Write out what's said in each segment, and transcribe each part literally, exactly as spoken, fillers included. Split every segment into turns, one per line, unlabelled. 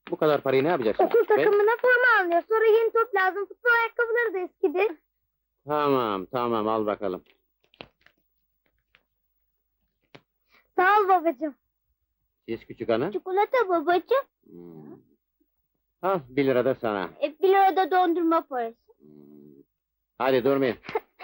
Bu kadar parayı ne yapacaksın?
Okul
Be-
takımına forma alınıyor. Sonra yeni top lazım. Futbol ayakkabıları da eskidi.
Tamam, tamam, al bakalım.
Sağ ol babacığım.
Siz küçük hanım.
Çikolata babacığım.
Hmm. Al, bir lira da sana.
E, bir lira da dondurma parası.
Hmm. Hadi durmayın.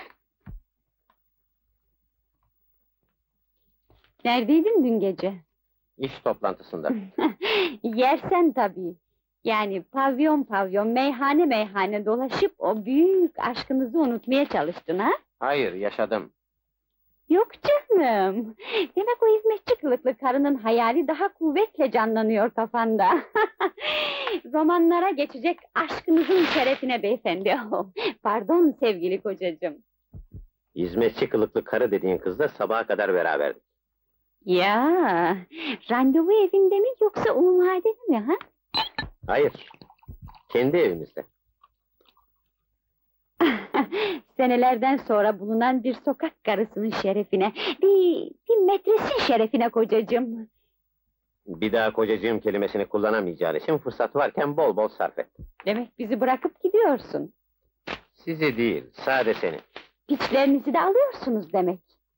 Neredeydin dün gece?
İş toplantısında.
Yersen tabii. Yani pavyon pavyon, meyhane meyhane dolaşıp o büyük aşkınızı unutmaya çalıştın ha?
Hayır, yaşadım.
Yok canım. Demek o hizmetçi kılıklı karının hayali daha kuvvetle canlanıyor kafanda. Romanlara geçecek aşkınızın şerefine beyefendi. Pardon sevgili kocacığım.
Hizmetçi kılıklı karı dediğin kızla sabaha kadar beraberdik.
Ya, randevu evinde mi yoksa umumhanede mi ha?
Hayır, kendi evimizde.
Senelerden sonra bulunan bir sokak karısının şerefine, bir, bir metresin şerefine kocacığım.
Bir daha kocacığım kelimesini kullanamayacağın için fırsat varken bol bol sarf et.
Demek bizi bırakıp gidiyorsun.
Sizi değil, sade seni.
Piçlerinizi de alıyorsunuz demek.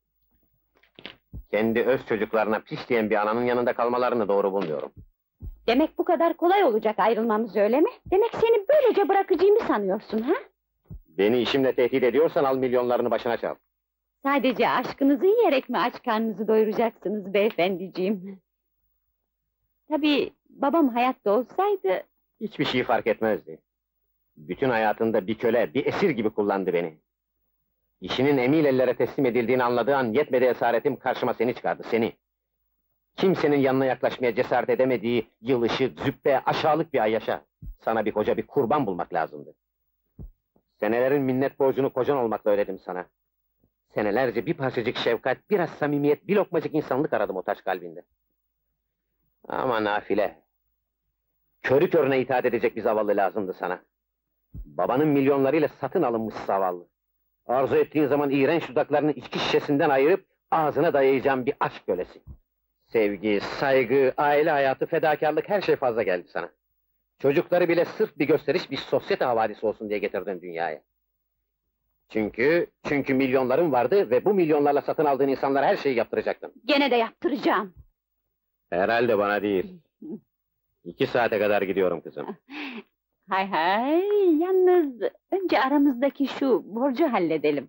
Kendi öz çocuklarına piş diyen bir ananın yanında kalmalarını doğru bulmuyorum.
Demek bu kadar kolay olacak ayrılmamız öyle mi? Demek seni böylece bırakacağımı sanıyorsun ha?
Beni işimle tehdit ediyorsan al milyonlarını başına çal.
Sadece aşkınızı yiyerek mi aç karnınızı doyuracaksınız beyefendiciğim? Tabii babam hayatta olsaydı...
Hiçbir şey fark etmezdi. Bütün hayatında bir köle, bir esir gibi kullandı beni. İşinin emil ellere teslim edildiğini anladığı an yetmedi esaretim karşıma seni çıkardı, seni. Kimsenin yanına yaklaşmaya cesaret edemediği yılışık, züppe, aşağılık bir ayyaşa. Sana bir koca, bir kurban bulmak lazımdı. Senelerin minnet borcunu kocan olmakla ödedim sana. Senelerce bir parçacık şefkat, biraz samimiyet, bir lokmacık insanlık aradım o taş kalbinde. Ama nafile. Körü körüne itaat edecek bir zavallı lazımdı sana. Babanın milyonlarıyla satın alınmış zavallı. Arzu ettiğin zaman iğrenç dudaklarını içki şişesinden ayırıp ağzına dayayacağım bir aşk kölesi. Sevgi, saygı, aile hayatı, fedakarlık her şey fazla geldi sana. Çocukları bile sırf bir gösteriş, bir sosyete havadisi olsun diye getirdin dünyaya. Çünkü, çünkü milyonların vardı ve bu milyonlarla satın aldığın insanlara her şeyi yaptıracaktın.
Gene de yaptıracağım.
Herhalde bana değil. İki saate kadar gidiyorum kızım.
Hay hay, yalnız önce aramızdaki şu borcu halledelim.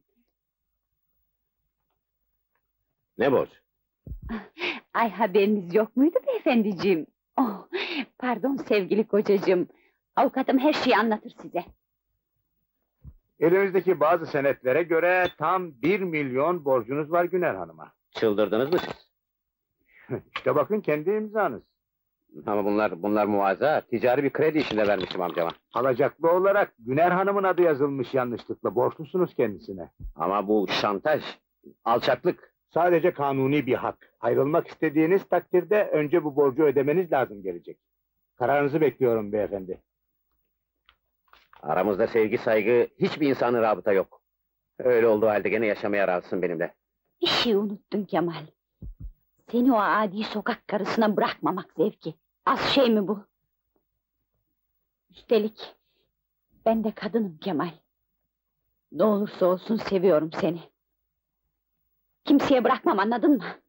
Ne borç?
Ay haberiniz yok muydu beyefendiciğim? Oh, pardon sevgili kocacığım. Avukatım her şeyi anlatır size.
Elimizdeki bazı senetlere göre tam bir milyon borcunuz var Güner Hanım'a.
Çıldırdınız mı siz?
İşte bakın kendi imzanız.
Ama bunlar, bunlar muazza, ticari bir kredi işinde vermişim amcama.
Alacaklı olarak Güner Hanım'ın adı yazılmış yanlışlıkla. Borçlusunuz kendisine.
Ama bu şantaj, alçaklık.
Sadece kanuni bir hak. Ayrılmak istediğiniz takdirde önce bu borcu ödemeniz lazım gelecek. Kararınızı bekliyorum beyefendi.
Aramızda sevgi, saygı, hiçbir insanın rabıta yok. Öyle olduğu halde gene yaşamaya razısın benimle.
Bir şey unuttun Kemal. Seni o adi sokak karısına bırakmamak zevki. Az şey mi bu? Üstelik ben de kadınım Kemal. Ne olursa olsun seviyorum seni. Kimseye bırakmam, anladın mı?